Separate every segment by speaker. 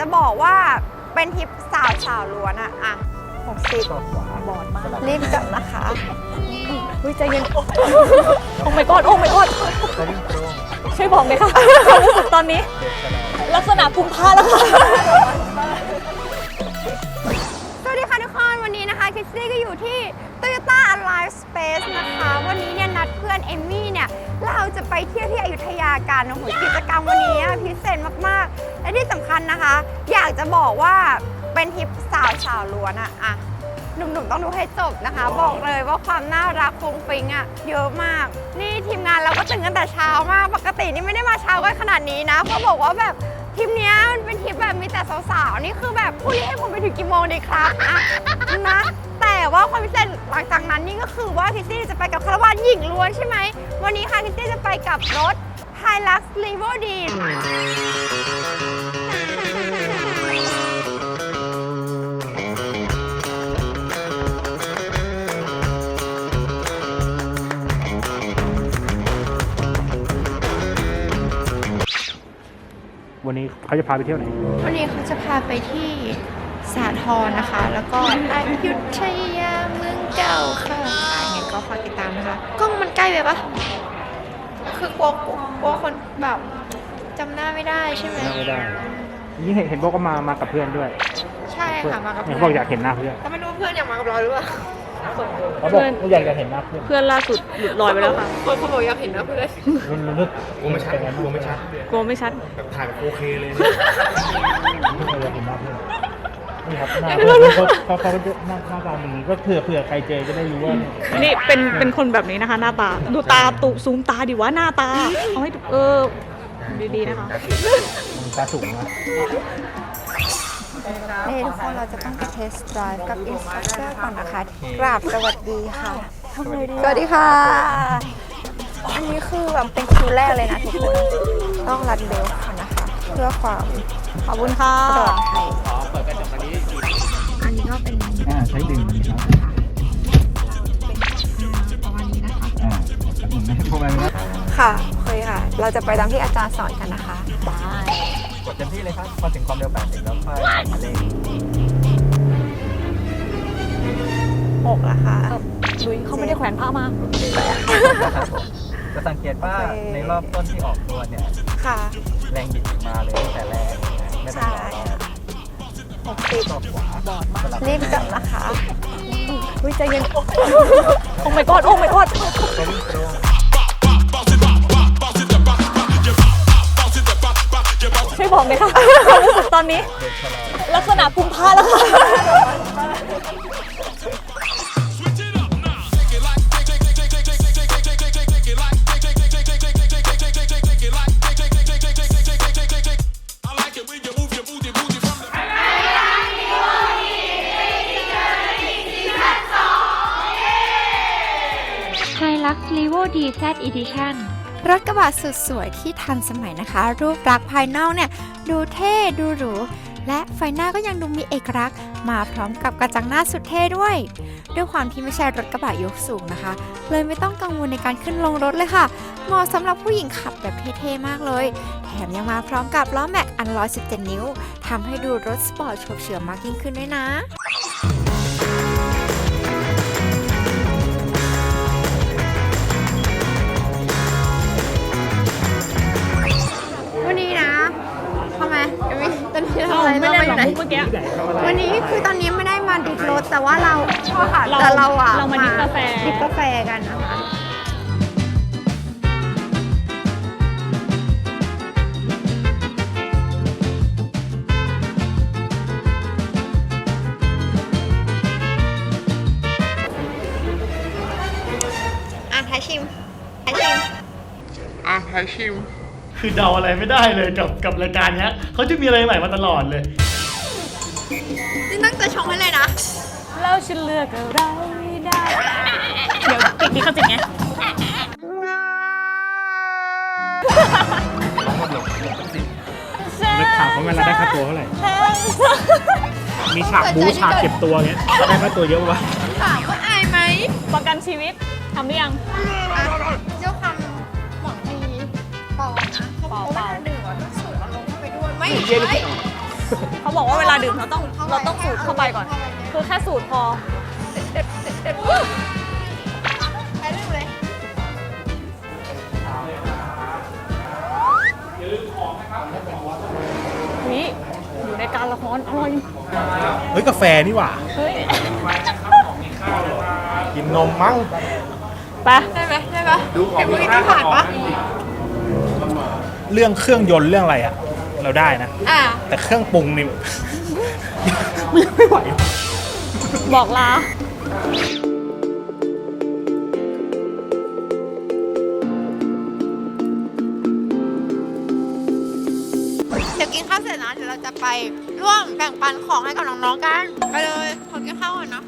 Speaker 1: จะบอกว่าเป็นทริปสาวล้วนอะ60บอดมากรีบกลับนะคะใจเย็นโอ้ my god โอ้ my god ช่วยบอกเลยค่ะความรู้สึกตอนนี้ลักษณะกุมภาแล้วค่ะสวัสดีค่ะทุกคนวันนี้นะคะคิสซี่ก็อยู่ที่ Toyota Alive Space นะคะวันนี้เนี่ยนัดเพื่อนเอมมี่เนี่ยเราจะไปเที่ยวที่อยุธยากันโอ้โหกิจกรรมวันนี้พิเศษมากๆและที่สำคัญนะคะอยากจะบอกว่าเป็นทริปสาวล้วนอะหนุ่มๆต้องดูให้จบนะคะบอกเลยว่าความน่ารักฟุ้งฟิ้งเยอะมากนี่ทีมงานเราก็ตื่นกันแต่เช้ามากปกตินี่ไม่ได้มาเช้ากันขนาดนี้นะเพราะบอกว่าแบบทริปนี้มันเป็นทริปแบบมีแต่สาวๆนี่คือแบบผู้นี้ให้ผมไปถึงกี่โมงดีครับนะแต่ว่าความพิเศษหลังจากนั้นนี่ก็คือว่าคิสซี่จะไปกับคาราวานหญิงล้วนใช่ไหมวันนี้ค่ะคิสซี่จะไปกับรถ Hilux Levo D
Speaker 2: วันนี้เขาจะพาไปเที่ยวไหน
Speaker 1: วันนี้เขาจะพาไปที่สาทรนะคะแล้วก็อยุธยาเมืองเก่าค่ะยังไงก็ฝากติดตามนะคะกล้องมันใกล้ไปปะคือกลัวคนแบบจำหน้าไม่ได้ใช่ไหม
Speaker 2: ไม่ได้นี่เห็นบอกว่ามากับเพื่อนด้วย
Speaker 1: ใช่ค่ะมากับเพื่อน
Speaker 2: บอกอยากเห็นหน้าเพื่อน
Speaker 1: ก็ไม่รู้เพื่อนอยากมากับเราหรือเปล่า
Speaker 2: เขาบอกอยากจะเห็นหน้าเพื่อน
Speaker 3: ล่าสุดหลุดลอยไปแล้วค่ะ
Speaker 1: คนบอกอยากเห็นหน้าเพื่อน
Speaker 2: นึกกลัวไม่ชัดกลัวไม่ชัด
Speaker 3: แบบ
Speaker 2: ถ่ายแบบโอเคเลยไม่เคยเห็นหน้าเพื่อนนี่ครับหน้าเขาหน้าตาอย่างนี้ก็เผื่อใครเจอจะได้รู้ว่า
Speaker 3: นี่เป็นคนแบบนี้นะคะหน้าตาดูตาตุซูมตาดิวะหน้าตาเอาให้ดีๆนะคะ
Speaker 2: ตาสูงนะ
Speaker 1: นี่ทุกคนเราจะต้องไปเทสต์ไดรฟ์กับอินสตรัคเตอร์ก่อนนะคะกราบสวัสดีค่ะทำไงดีสวัสดีค่ะอันนี้คือแบบเป็นคิวแรกเลยนะทุกคนต้องรัดเบลค่ะนะคะเพื่อความ
Speaker 3: ขอบคุณค่ะ
Speaker 1: ปลอดภัยเปิดกระจกอันนี้ก็เป็น
Speaker 2: ใช้ดึงครับ
Speaker 1: ประมาณนี้นะคะ
Speaker 2: พวกมันนะ
Speaker 1: ค่ะเคยค่ะเราจะไปตามที่อาจารย์สอนกันนะคะได้
Speaker 2: กดเต็มที่เลยครับพอถึงความเร็ว80แล้วค่อยมาเร่ง
Speaker 1: 6แล้วค่ะ
Speaker 3: ลุยเขาไม่ได้แขวนผ้ามา
Speaker 2: จะสังเกตว่าในรอบต้นที่ออกตัวเนี่ย
Speaker 1: ค่ะ
Speaker 2: แรงบิดมาเลยตั้งแต่แรกไม่ต้องรอ
Speaker 1: 60
Speaker 2: ต่อขวา
Speaker 1: บอดมากรีบกลับนะคะ
Speaker 3: ใจเย็นโอ้ my god โอ้ my god ช่วยบอกเลยค่ะความรู้สึกตอนนี้ลักษณะกุมภาแล้วค่ะ
Speaker 4: Hilux Levo D Z Edition
Speaker 1: รถกระบะสุดสวยที่ทันสมัยนะคะรูปลักษณ์ภายนอกเนี่ยดูเท่ดูหรูและไฟหน้าก็ยังดูมีเอกลักษณ์มาพร้อมกับกระจังหน้าสุดเท่ด้วยความที่ไม่ใช่รถกระบะยกสูงนะคะเลยไม่ต้องกังวลในการขึ้นลงรถเลยค่ะเหมาะสำหรับผู้หญิงขับแบบเท่ๆมากเลยแถมยังมาพร้อมกับล้อแม็กอัน117 นิ้วทำให้ดูรถสปอร์ตโฉบเฉี่ยวมากยิ่งขึ้นด้วยนะวันนี้นะทำไมตอนนี้เราอะไรเราไปไหนวันนี้คือตอนนี้ไม่ได้มาดิบรถแต่ว่าเราแต่เรา
Speaker 3: มาดิบกาแฟ
Speaker 1: กันนะคะท้ายชิม
Speaker 5: คือเดาอะไรไม่ได้เลยกับรายการนี้เขาจะมีอะไรใหม่มาตลอดเลย
Speaker 1: นี่ตั้งใจชงให้เลยนะ
Speaker 3: แล้วฉันเลือกอะไรไม่ได้เดี๋ยวปิดนี้เขาจิกไง
Speaker 2: นึกถามเขาเวลาได้ค่าตัวเท่าไหร่มีฉากบู๊ฉากเก็บตัวเงี้ยได้ค่าตัวเยอะปะ
Speaker 1: ถามว่าอายไหม
Speaker 3: ประกันชีวิตทำหรือยัง
Speaker 1: เจ้าคำหวังดีเปล่านะเขาบอกว่าดื่มต้องสูดอารมณ์เข้าไปด้วยไม่ใช่
Speaker 3: เขาบอกว่าเวลาดื่มเราต้องสูดเข้าไปก่อน คือแค่สูดพอ
Speaker 1: ไปเรื่อยเลย
Speaker 3: นี่อยู่ในการละครอร่อย
Speaker 2: เฮ้ยกาแฟนี่หว่า
Speaker 3: เฮ้ย
Speaker 2: กินนมมั้ง
Speaker 3: ไป
Speaker 1: ได้ไหมได้ปะเห็นเมื่อกี้ที่ผ่านปะ
Speaker 2: เรื่องเครื่องยนต์เรื่องอะไรอะเราได้นะ
Speaker 1: อ่ะ
Speaker 2: แต่เครื่องปรุงนี่ ไม่ไหว
Speaker 3: บอกลา
Speaker 1: เดี๋ยวกินข้าวเสร็จนะเดี๋ยวเราจะไปร่วมแบ่งปันของให้กับน้องๆกันไปเลยขอกินข้าวก่อนนะ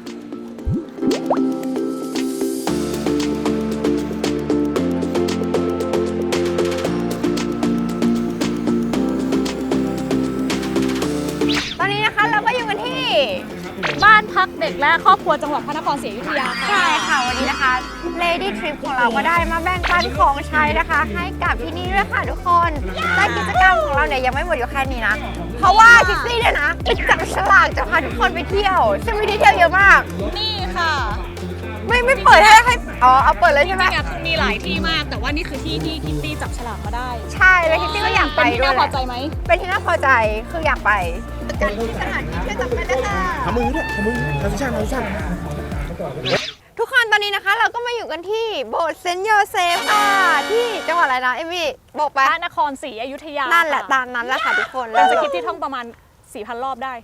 Speaker 1: ตอนนี้นะคะเราก็อยู่กันที่
Speaker 3: บ้านพักเด็กและครอบครัวจังหวัดพระนครศรีอยุธยาค่ะ
Speaker 1: ใช่ค่ะวันนี้นะคะ Lady Trip ของเราก็ได้มาแบ่งปันของใช้นะคะ ให้กับที่นี่ด้วยค่ะทุกคนและกิจกรรมของเราเนี่ยยังไม่หมดอยู่แค่นี้นะ เพราะว่าคิสซี่เนี่ยนะไปจับฉลากจะพาทุกคนไปเที่ยวซึ่งมีที่เที่ยวเยอะมาก
Speaker 3: นี่ค่ะ
Speaker 1: ไม่เปิดให้อ๋อเอาเปิดเลยใช่ไหม
Speaker 3: จริงๆอะคือมีหลายที่มาก แต่ว่านี่คือที่ที่คิตตี้จับฉลากมาได้
Speaker 1: ใช่แล้วคิสซี่ก็อยากไป
Speaker 3: เป็นที่
Speaker 1: ด้วย
Speaker 3: น่า
Speaker 1: แห
Speaker 3: พอ
Speaker 1: ละ
Speaker 3: ใจไหม
Speaker 1: เป็นที่น่าพอใจคืออยากไปกันที่สถานที่เที่ยวจับไปเลยค่ะ
Speaker 2: ทำมือด้วยทำมือทำชั่น
Speaker 1: ทุกคนตอนนี้นะคะเราก็มาอยู่กันที่โบสถ์เซนต์โยเซฟค่ะที่จังหวัดอะไรนะเอมี่บอกไป
Speaker 3: พระนครศรีอยุธยา
Speaker 1: นั่นแหละ
Speaker 3: ค่
Speaker 1: ตามนั้นแหละค่ะทุกคน
Speaker 3: เป็นสคริปต์ที่ท่องประมาณ 4,000 รอบได้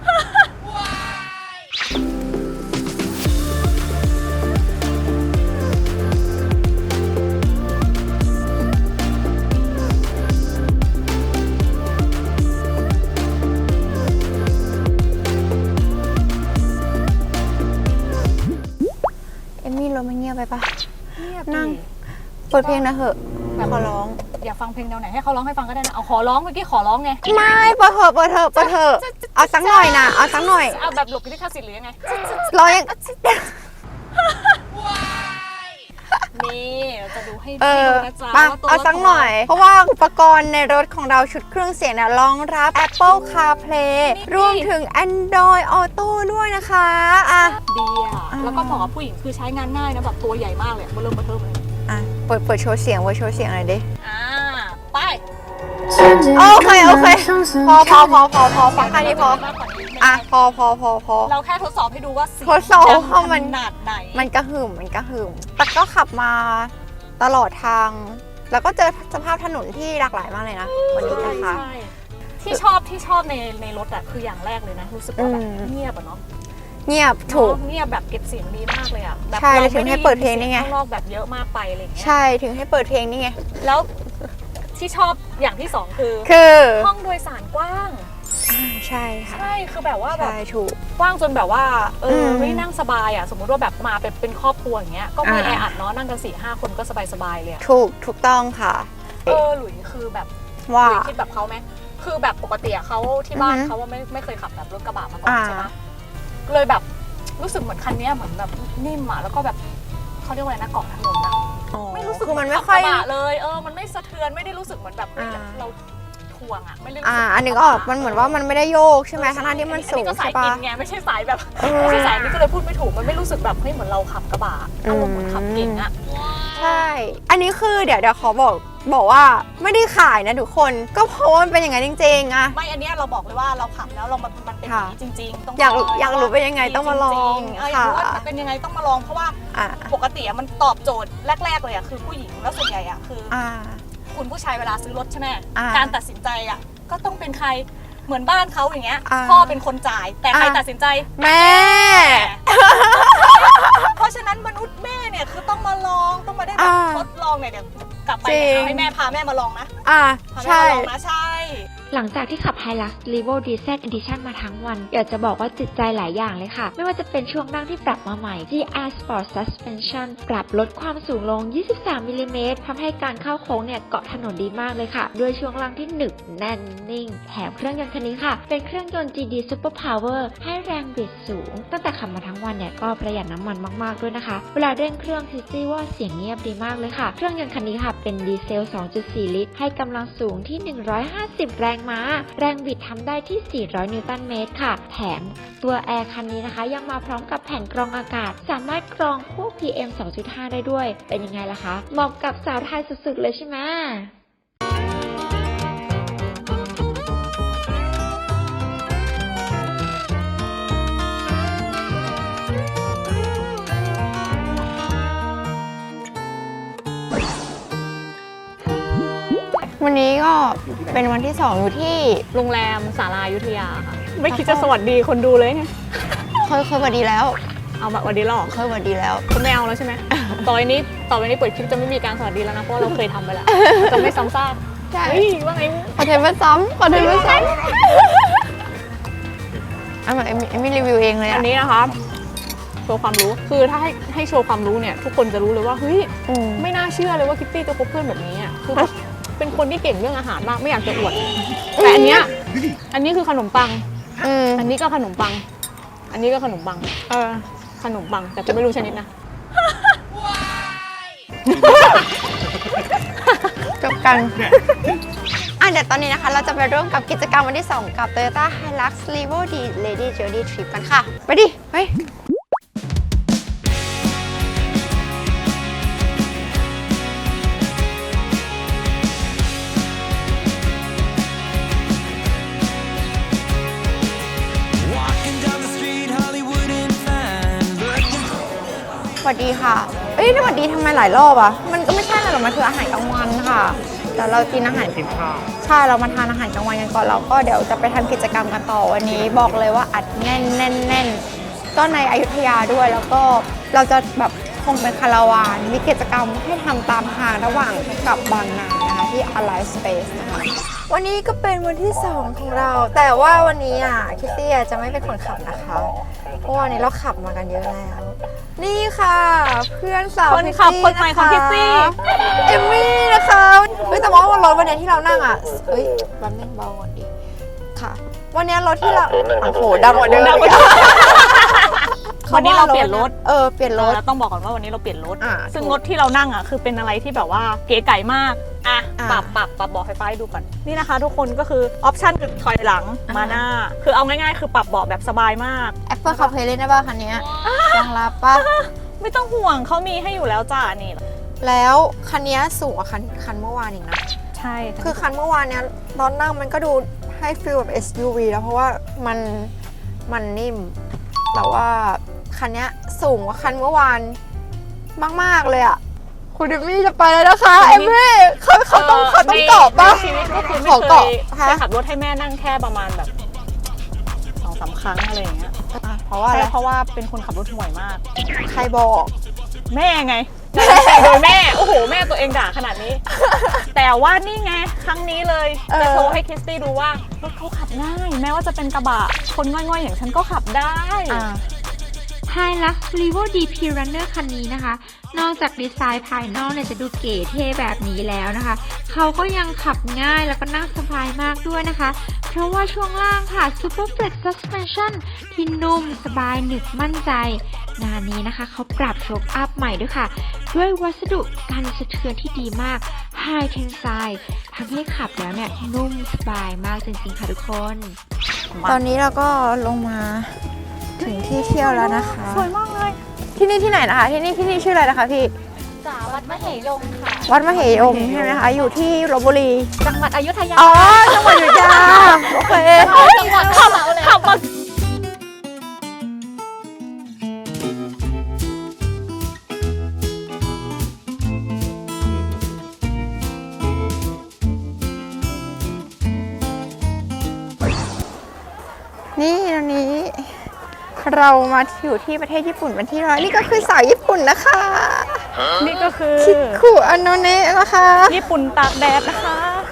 Speaker 1: เอมี่รถมันเงียบไปปะ
Speaker 3: เงียบ
Speaker 1: นั่ง
Speaker 3: ดิ
Speaker 1: เปิดเพลงนะเหอะ
Speaker 3: แบบ
Speaker 1: ขอร้อง
Speaker 3: อยากฟังเพลงแนวไหนให้เขาร้องให้ฟังก็ได้นะ เอาขอร้องเมื่อกี้ขอร้องไง
Speaker 1: ไม่เปิดเถอะเปิดเถอะเปิดเถอะเอาสักหน่อยนะเอาสักหน่อย
Speaker 3: เอาแบบหลบลิขสิทธิ์หรือยังไง
Speaker 1: ร้องยัง
Speaker 3: นี่เราจะดูให้
Speaker 1: เอ
Speaker 3: ดู
Speaker 1: อ
Speaker 3: นะจ๊ะ
Speaker 1: มา
Speaker 3: ว่าตัว
Speaker 1: เอา
Speaker 3: รถ
Speaker 1: สักหน่อย เพราะว่าอุปกรณ์ในรถของเราชุดเครื่องเสียงเนี่ยรองรับ Apple CarPlay รวมถึง Android Auto ด้วยนะคะอ่ะ
Speaker 3: ดีอ่ะ แล้วก็เหมาะกับผู้หญิงคือใช้งานง่ายนะแบบตัวใหญ่มากเลยเบอร์เริ่มเบอร์เทิมเลย
Speaker 1: อ่ะเปิดโชว์เสียงไว้โชว์เสียงหน่อยดิ
Speaker 3: อ่า ไป
Speaker 1: โอเคพอฟังแค่นี้พอ
Speaker 3: มากกว่านี้ไม่ได้
Speaker 1: อ่ะพอ
Speaker 3: เราแค่ทดสอบให้ดูว่าเสียง
Speaker 1: ทดสอบ
Speaker 3: ดัง
Speaker 1: ว่ามัน
Speaker 3: ขนาดไหน
Speaker 1: มันกระหึ่มแต่ก็ขับมาตลอดทาง แล้วก็เจอสภาพถนนที่หลากหลายมากเลยนะ วันนี้นะคะ
Speaker 3: ใช่ที่ชอบในรถอะคืออย่างแรกเลยนะ รู้สึกว่าแบบ
Speaker 1: อืม
Speaker 3: เงียบอะเนาะ
Speaker 1: เงียบถูก
Speaker 3: เงียบแบบเก็บเสียงดีมากเลยอะแบบ
Speaker 1: ใช่
Speaker 3: รา
Speaker 1: ถึงให้เปิดเพลงนี่ไง
Speaker 3: ม่ด้ยินเสียข้างนอกแบบเยอะมากไปอะไรอย่างเงี้ย
Speaker 1: ใช่ถึงให้เปิดเพลงนี่ไง
Speaker 3: แล้วที่ชอบอย่างที่สองคือ
Speaker 1: คือ
Speaker 3: ห้องโดยสารกว้าง
Speaker 1: ใช่ค่ะ
Speaker 3: ใช่คือแบบว่าแบบ
Speaker 1: ใช่ถูก
Speaker 3: กว้างจนแบบว่า
Speaker 1: ม
Speaker 3: ไม่นั่งสบายอ่ะสมมุติว่าแบบมาเป็นครอบครัวอย่างเงี้ยก็ไม่
Speaker 1: อ่า
Speaker 3: แออัดเนาะนั่งกัน 4-5 คนก็สบายๆเลยอะ
Speaker 1: ถูกต้องค่ะ
Speaker 3: หลุยคือแบบ
Speaker 1: ว่า
Speaker 3: หลุยคิดแบบเขาไหมคือแบบปกติอะเขาที่บ้าน
Speaker 1: อือฮึ
Speaker 3: เขาว่าไม่เคยขับแบบรถกระบะมาก่อน
Speaker 1: อ่า
Speaker 3: ใช่ปะเลยแบบรู้สึกเหมือนคันเนี้ยเหมือนแบบนิ่มอะแล้วก็แบบเขาเรียกว่าอะไรนะเกาะถนนอะไม่รู้สึก
Speaker 1: คือมัน
Speaker 3: เห
Speaker 1: ไม่
Speaker 3: ขับ
Speaker 1: ค่อย
Speaker 3: กระบะเลยมันไม่สะเทือนไม่ได้รู้สึกเหมือนแบบ
Speaker 1: อ่า
Speaker 3: เราทวงอะไม่ได้รู้สึก
Speaker 1: อันนึกออกมันเหมือนว่ามันไม่ได้โยกใช่ไหมทั้งที่มันสูง
Speaker 3: ก็สา
Speaker 1: ใช่
Speaker 3: ย
Speaker 1: ปะ
Speaker 3: กินไงไม่ใช่สายแบบ
Speaker 1: เออ
Speaker 3: ไม่ใช่สายนี้ก็เลยพูดไม่ถูกมันไม่รู้สึกแบบเฮ้ยเหมือนเราขับกระบะอารมณ์เหมือนขับเก่งอะ
Speaker 1: ใช่ อันนี้คือเดี๋ยวขอบอกว่าไม่ได้ขายนะทุกคน ก็เพราะว่ามันเป็นอย่างนั้นจริงๆอะ
Speaker 3: ไม่อันเนี้ยเราบอกเลยว่าเราขับแล้วมันเป็นอย่างนี้จริงๆต้อง
Speaker 1: อยาก
Speaker 3: ลง
Speaker 1: อยากรู้เป็นยังไงต้องมาลอง
Speaker 3: จริๆอยากรู้ว่า
Speaker 1: ค่ะ
Speaker 3: เป็นยังไงต้องมาลองเพราะว่า
Speaker 1: อ่า
Speaker 3: ปกติอะมันตอบโจทย์แรกๆเลยอะคือผู้หญิงแล้วส่วนใหญ่อะคืออ
Speaker 1: อ่า
Speaker 3: คุณผู้ชายเวลาซื้อรถใช่ไหม
Speaker 1: อ่า
Speaker 3: การตัดสินใจอะก็ต้องเป็นใครเหมือนบ้านเขาอย่างเงี้ย
Speaker 1: อ่า
Speaker 3: พ่อเป็นคนจ่ายแต่ใคร
Speaker 1: อ่า
Speaker 3: ตัดสินใจ
Speaker 1: แม่
Speaker 3: เพราะฉะนั้นมนุษย์แม่เนี่ยคือต้องมาลองต้องมาได้แบบทดลองเนี่ยเดี๋ยวกลับไปเนี่ย
Speaker 1: จริง
Speaker 3: เอาให้แม่พาแม่มาลองนะ
Speaker 1: อ่า
Speaker 3: พาแม่
Speaker 1: ใช่
Speaker 3: มาลองนะใช่
Speaker 4: หลังจากที่ขับ Hilux Levo DZ Edition มาทั้งวัน อยากจะบอกว่าจิตใจหลายอย่างเลยค่ะ ไม่ว่าจะเป็นช่วงนั่งที่ปรับมาใหม่ GR Sport Suspension ปรับลดความสูงลง 23 มิลลิเมตรทำให้การเข้าโค้งเนี่ยเกาะถนนดีมากเลยค่ะ ด้วยช่วงล่างที่หนึบแน่นนิ่ง แถมเครื่องยนต์คันนี้ค่ะ เป็นเครื่องยนต์ GD Super Power ให้แรงบิดสูง ตั้งแต่ขับมาทั้งวันเนี่ยก็ประหยัดน้ำมันมากๆด้วยนะคะ เวลาเร่งเครื่องคิดซี่ว่าเสียงเงียบดีมากเลยค่ะ เครื่องยนต์คันนี้ค่ะเป็นดีเซล 2.4 ลิตร ให้กำลังสูงที่ 150 แรงม้า แรงบิดทำได้ที่ 400 นิวตันเมตรค่ะ แถมตัวแอร์คันนี้นะคะยังมาพร้อมกับแผ่นกรองอากาศ สามารถกรองพวก PM 2.5 ได้ด้วย เป็นยังไงล่ะคะ เหมาะกับสาวไทยสุดๆเลยใช่ไหม
Speaker 1: วันนี้ก็เป็นวันที่ 2 อยู่ที่
Speaker 3: โรงแรมสารายุทธยาค่ะ ไม่คิดจะสวัสดีคนดูเลยไง
Speaker 1: เคยสวัสดีแล้ว
Speaker 3: เอาแบบวันดีหรอ
Speaker 1: เคยสวัสดีแล้ว
Speaker 3: คุณไม่เอาแล้วใช่ไหม ต่อไปนี้เปิดคลิปจะไม่มีการสวัสดีแล้วนะ เพราะว่าเราเคยทำไปแล้ว จะไม่ซ้ำซาก
Speaker 1: ใช่
Speaker 3: เฮ้ยว่าไง
Speaker 1: ขอเทปมาซ้ำขอเทปมาซ้ำอันแบบเอมมี่รีวิวเองเลย
Speaker 3: อั
Speaker 1: อะ
Speaker 3: นนี้นะคะโชว์ความรู้ คือถ้าให้โชว์ความรู้เนี่ยทุกคนจะรู้เลยว่าเฮ้ย ไม่น่าเชื่อเลยว่าคิตตี้จะคบเพื่อนแบบนี้อ่ะคือแบบเป็นคนที่เก่งเรื่องอาหารมากไม่อยากจะอวด แต่อันนี้คือขนมปัง อันนี้ก็ขนมปัง อันนี้ก็ขนมปัง ขนมปังแต่จะไม่รู้ชนิดนะ
Speaker 1: จบกันเดี๋ยวตอนนี้นะคะ เราจะไปร่วมกับกิจกรรมวันที่ 2 กับ Toyota Hilux Levo D Lady Journey Trip กันค่ะ ไปดิ ไป สวัสดีค่ะ สวัสดีทำไมหลายรอบอ่ะ มันก็ไม่ใช่อะไรหรอกมันคืออาหารกลางวันค่ะแต่เรากินอาหาร
Speaker 2: กินข้าว
Speaker 1: ใช่ เรามาทานอาหารกลางวันกันก่อนเราก็เดี๋ยวจะไปทำกิจกรรมกันต่อวันนี้บอกเลยว่าอัดแน่นก็ในอยุธยาด้วยแล้วก็เราจะแบบคงเป็นคาราวานมีกิจกรรมให้ทำตามทางระหว่างกับบางนานะคะที่ Alive Space นะคะวันนี้ก็เป็นวันที่ 2 ของเรา แต่ว่าวันนี้คิตตี้จะไม่เป็นคนขับนะคะเพราะวันนี้เราขับมากันเยอะแล้ว นี่ค่ะเพื่อนสาว
Speaker 3: คนขับคนใหม่ของคิตตี้
Speaker 1: เอมมี่นะคะแต่ว่ารถวันนี้ที่เรานั่งแป๊บนึงเบาก่อนดิค่ะ วันนี้รถที่เราโอ้โหดังกว่าเดิมอีก
Speaker 3: วันนี้เราเปลี่ยนรถ
Speaker 1: เปลี่ยนรถ
Speaker 3: เราต้องบอกก่อนว่าวันนี้เราเปลี่ยนรถ ซึ่ง
Speaker 1: ถูก
Speaker 3: รถที่เรานั่งคือเป็นอะไรที่แบบว่าเก๋ไก่มาก
Speaker 1: อ่ะ
Speaker 3: ปรับเบาะไฟฟ้าให้ดูก่อนนี่นะคะ ทุกคนก็คือออปชั่นคือถอยหลังมาหน้า คือเอาง่ายๆคือปรับเบาะแบบสบายมาก
Speaker 1: Apple CarPlay เล่นได้ป่ะคันนี้รองรับป่ะ
Speaker 3: ไม่ต้องห่วงเขามีให้อยู่แล้วจ้านี่
Speaker 1: แล้วคันนี้สูงกว่าคันเมื่อวานอีกนะ
Speaker 3: ใช่
Speaker 1: คือคันเมื่อวานเนี้ยตอนนั่งมันก็ดูให้ฟีลแบบ SUV แล้วเพราะว่ามันนิ่ม แต่ว่าคันนี้สูงกว่าคันเมื่อวานมากๆเลยอ่ะคุณเอมมี่จะไปแล้วนะคะเอมมี่เขาต้องเกาะป่ะ
Speaker 3: ในชีวิตก็คือ
Speaker 1: ข
Speaker 3: ไม่
Speaker 1: อ
Speaker 3: เค
Speaker 1: เกาะ
Speaker 3: ย
Speaker 1: ฮะ
Speaker 3: ขับรถให้แม่นั่งแค่ประมาณแบบ 2-3 ครั้งอะไรอย่างเงี้ย
Speaker 1: เพราะว่าอะไร
Speaker 3: ใช่เพราะว่าเป็นคนขับรถห่วยมาก
Speaker 1: ใครบอก
Speaker 3: แม่ไงโดยแม่โอ้โหแม่ตัวเองด่าขนาดนี้ แต่ว่านี่ไงครั้งนี้เลยจะโชว์ให้คริสตี้ดูว่ารถเขาขับง่ายแม้ว่าจะเป็นกระบะคนง่อยๆอย่างฉันก็ขับได้
Speaker 4: Hilux Levo DP Runner คันนี้นะคะ นอกจากดีไซน์ภายนอกเนี่ยจะดูเก๋เท่แบบนี้แล้วนะคะ เขาก็ยังขับง่ายแล้วก็นั่งสบายมากด้วยนะคะ เพราะว่าช่วงล่างค่ะ Super Flex Suspension ที่นุ่มสบายหนึบมั่นใจ งานนี้นะคะเขาปรับโชคอัพใหม่ด้วยค่ะ ด้วยวัสดุกันสะเทือนที่ดีมาก High Tensile ทำให้ขับแล้วเนี่ยนุ่มสบายมากจริงๆค่ะทุกคน
Speaker 1: ตอนนี้เราก็ลงมาถึงที่เที่ยวแล้วนะคะ
Speaker 3: สวยมากเลย
Speaker 1: ที่นี่ที่ไหนนะคะที่นี่ชื่ออะไรนะคะพี่
Speaker 4: วัดมเหยงค่ะ
Speaker 1: วัดมเหยมใช่ไหมคะอยู่ที่ลพบุรี
Speaker 4: จังหวัดอยุธยา
Speaker 1: อ๋อจังหวัดอยุธยาโอเค
Speaker 4: จังหวัดเลย
Speaker 3: ขับมา
Speaker 1: นี่ตอนนี้ เรามาอยู่ที่ประเทศญี่ปุ่นเป็นที่ร้อยนี่ก็คือสาวญี่ปุ่นนะคะ
Speaker 3: นี่ก็คือ
Speaker 1: คิคุอันโนเนะนะคะ
Speaker 3: ญี่ปุ่นตากแดดนะคะ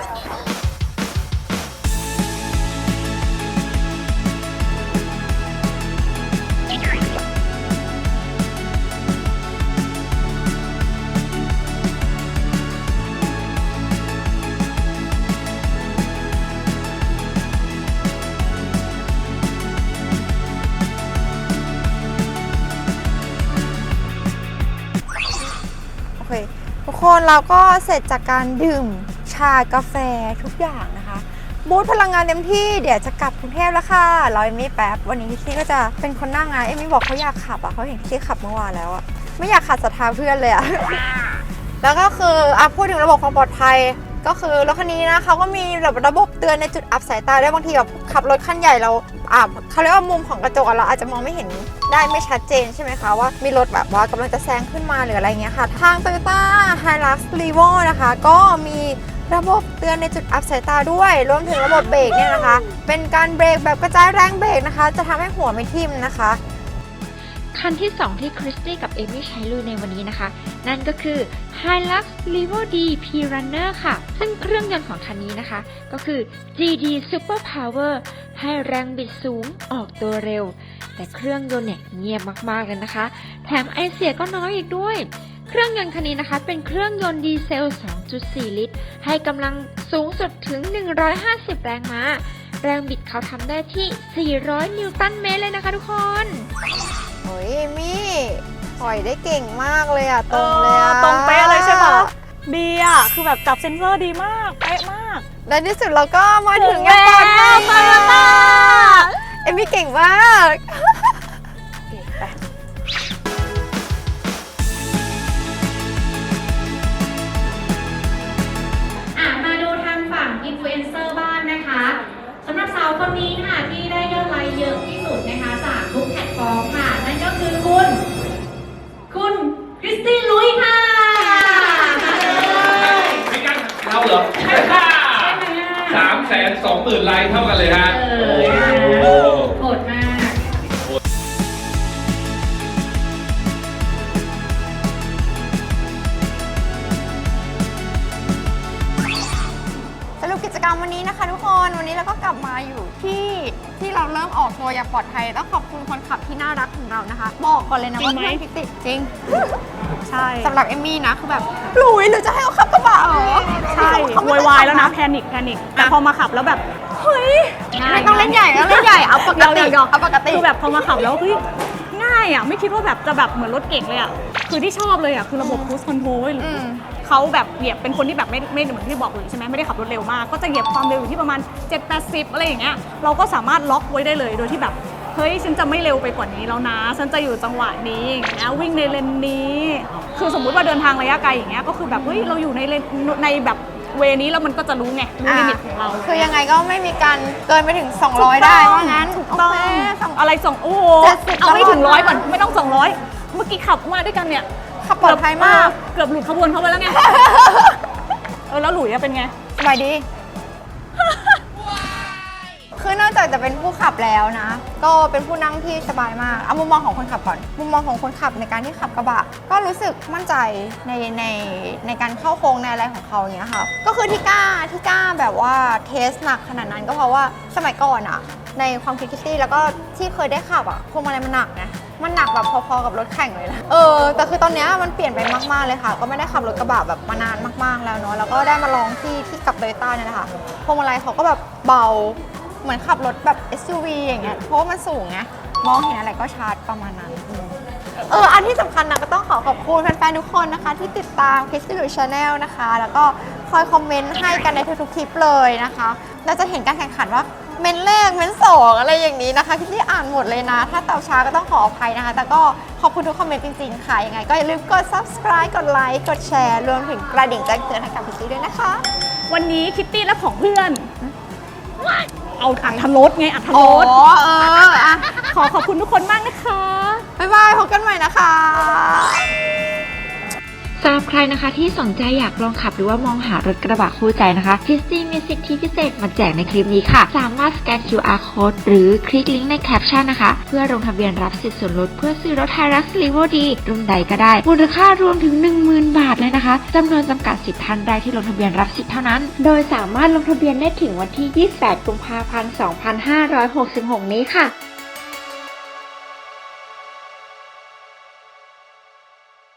Speaker 1: โอเคทุกคนเราก็เสร็จจากการดื่มชากาแฟทุกอย่างนะคะบูทพลังงานเต็มที่เดี๋ยวจะกลับกรุงเทพแล้วค่ะรอเอมมี่แป๊บวันนี้พี่ก็จะเป็นคนนั่งนะเอมมี่บอกเขาอยากขับอ่ะเขาเห็นพี่ขับเมื่อวานแล้วอ่ะไม่อยากขัดศรัทธาเพื่อนเลยอ่ะ แล้วก็คือพูดถึงระบบความปลอดภัยก็คือรถคันนี้นะเขาก็มีระบบเตือนในจุดอับสายตาได้บางทีแบบขับรถคันใหญ่เราเขาเรียกว่ามุมของกระจกเราอาจจะมองไม่เห็นได้ไม่ชัดเจนใช่ไหมคะว่ามีรถแบบว่ากำลังจะแซงขึ้นมาหรืออะไรเงี้ยค่ะทาง Toyota Hilux Revo นะคะก็มีระบบเตือนในจุดอับสายตาด้วยรวมถึงระบบเบรกเนี่ยนะคะเป็นการเบรกแบบกระจายแรงเบรกนะคะจะทำให้หัวไม่ทิ่มนะคะ
Speaker 4: คันที่ 2 ที่คริสตี้กับเอมี่ใช้ลุยในวันนี้นะคะนั่นก็คือ Hilux Revo D P-Runner ค่ะซึ่งเครื่องยนต์ของคันนี้นะคะก็คือ GD Super Power ให้แรงบิดสูงออกตัวเร็วแต่เครื่องยนต์เนี่ยเงียบมากๆเลยนะคะแถมไอเสียก็น้อยอีกด้วยเครื่องยนต์คันนี้นะคะเป็นเครื่องยนต์ดีเซล 2.4 ลิตรให้กำลังสูงสุดถึง150แรงม้าแรงบิดเขาทำได้ที่400นิวตันเมตรเลยนะคะทุกคน
Speaker 1: โอ้ยเอมี่ถอยได้เก่งมากเลยอะตรงเลยอะ
Speaker 3: ตรงเป๊ะเลยใช่ปะดีอ่ะคือแบบจับเซ็นเซอร์ดีมากเป๊ะมาก
Speaker 1: และที่สุดเราก็มาถึงอย่างปลอดภัยโตโยต้าเอมี่เก่งมาก
Speaker 6: มาดูทางฝั่งอินฟลูเอนเซอร์บ้างนะคะสำหรับสาวคนนี้ค่ะที่ได้ยอดไลค์เยอะที่สุดนะคะจากทุกแพลตฟอร์มค่ะนั่นก็คือคุณคริสตี้ลุยค่ะมาเลย
Speaker 7: ไม่กันเราเหรอ320,000 ไลค์เท่ากันเลยฮะ
Speaker 6: โหดมาก
Speaker 1: สรุปกิจกรรมวันนี้นะคะทุกคนวันนี้เราก็กลับมาอยู่ที่เราเริ่มออกตัวอย่างปลอดภัยต้องขอบคุณคนขับที่น่ารักของเรานะคะบอกก่อนเลยนะว่าเพื่อนพิติจริง
Speaker 3: ใช่
Speaker 1: สำหรับเอมมี่นะคือแบบหลุยหรือจะให้เขาขับกระบะเหรอ
Speaker 3: ใช่โวยวายแล้วนะแพนิคแต่พอมาขับแล้วแบบเฮ้ย
Speaker 1: ไม่ต้องเล่นใหญ่เอาปกติ
Speaker 3: คือแบบพอมาขับแล้วเฮ้ยง่ายอ่ะไม่คิดว่าแบบจะแบบเหมือนรถเก่งเลยอ่ะคือที่ชอบเลยอ่ะคือระบบ cruise control เขาแบบเหยียบเป็นคนที่แบบไม่เหมือนที่บอกเลยใช่ไหมไม่ได้ขับรถเร็วมากก็จะเหยียบความเร็วอยู่ที่ประมาณ 7-80 อะไรอย่างเงี้ยเราก็สามารถล็อกไว้ได้เลยโดยที่แบบเฮ้ยฉันจะไม่เร็วไปกว่านี้แล้วนะฉันจะอยู่จังหวะนี้นะวิ่งในเลนนี้คือสมมุติว่าเดินทางระยะไกลอย่างเงี้ยก็คือแบบเฮ้ยเราอยู่ในแบบเวนี้แล้วมันก็จะรู้ไงรู้ลิมิตของเรา
Speaker 1: คือยังไงก็ไม่มีการเกินไปถึง200ได้ว่างั้น
Speaker 3: ถูกต้องอะไรโอ้โหเอาไม่ถึง100ก่อนไม่ต้อง200เมื่อกี้ขับมาด้วยกันเนี่ย
Speaker 1: ขับปลอดภัยมาก
Speaker 3: เกือบหลุดขบวนเขาไปแล้วไงแล้วหลุยเป็นไง
Speaker 1: สบายดี คือนอกจากจะเป็นผู้ขับแล้วนะก็เป็นผู้นั่งที่สบายมากเอามุมมองของคนขับก่อนมุมมองของคนขับในการที่ขับกระบะก็รู้สึกมั่นใจในการเข้าโค้งในอะไรของเขาอย่างเงี้ยค่ะก็คือที่กล้าแบบว่าเทสหนักขนาดนั้นก็เพราะว่าสมัยก่อนอะในความคิดคิตตี้แล้วก็ที่เคยได้ขับอะพวงมาลัยมันหนักนะมันหนักแบบพอๆกับรถแข่งเลยนะแต่คือตอนนี้มันเปลี่ยนไปมากๆเลยค่ะก็ไม่ได้ขับรถกระบะแบบมานานมากๆแล้วเนาะแล้วก็ได้มาลองที่กับโตโยต้าเนี่ยนะคะพวงมาลัยเขาก็แบบเบาเหมือนขับรถแบบ SUV อย่างเงี้ยเพราะว่ามันสูงไงมองเห็นอะไรก็ชัดประมาณนั้นอันที่สำคัญนะก็ต้องขอบคุณแฟนๆทุกคนนะคะที่ติดตาม Christy Lui Channel นะคะแล้วก็คอยคอมเมนต์ให้กันในทุกๆคลิปเลยนะคะเราจะเห็นการแข่งขันว่าเมนแรกเมน2อะไรอย่างนี้นะคะที่อ่านหมดเลยนะถ้าตอบช้าก็ต้องขออภัยนะคะแต่ก็ขอบคุณทุกคอมเมนต์จริงๆค่ะยังไงก็อย่าลืมกด subscribe กดไลค์กดแชร์รวมถึงกระดิ่งแจ้งเตือนให้กับพี่ด้วยนะคะ
Speaker 3: วันนี้คิตตี้และของเพื่อนเอาอัธรสไงอัธรสขอบคุณทุกคนมากนะคะ
Speaker 1: บ๊ายบายพบกันใหม่นะคะ
Speaker 4: สำหรับใครนะคะที่สนใจอยากลองขับหรือว่ามองหารถกระบะคู่ใจนะคะคิสตี้มีสิทธิพิเศษมาแจกในคลิปนี้ค่ะสามารถสแกน QR code หรือคลิกลิงก์ในแคปชั่นนะคะเพื่อลงทะเบียนรับสิทธิส่วนลดเพื่อซื้อรถ Hilux Revo D รุ่นใดก็ได้มูลค่ารวมถึง 10,000 บาทเลยนะคะจำนวนจำกัด10ท่านได้ที่ลงทะเบียนรับสิทธิ์เท่านั้นโดยสามารถลงทะเบียนได้ถึงวันที่ 28 กุมภาพันธ์ 2566 นี้ค่ะ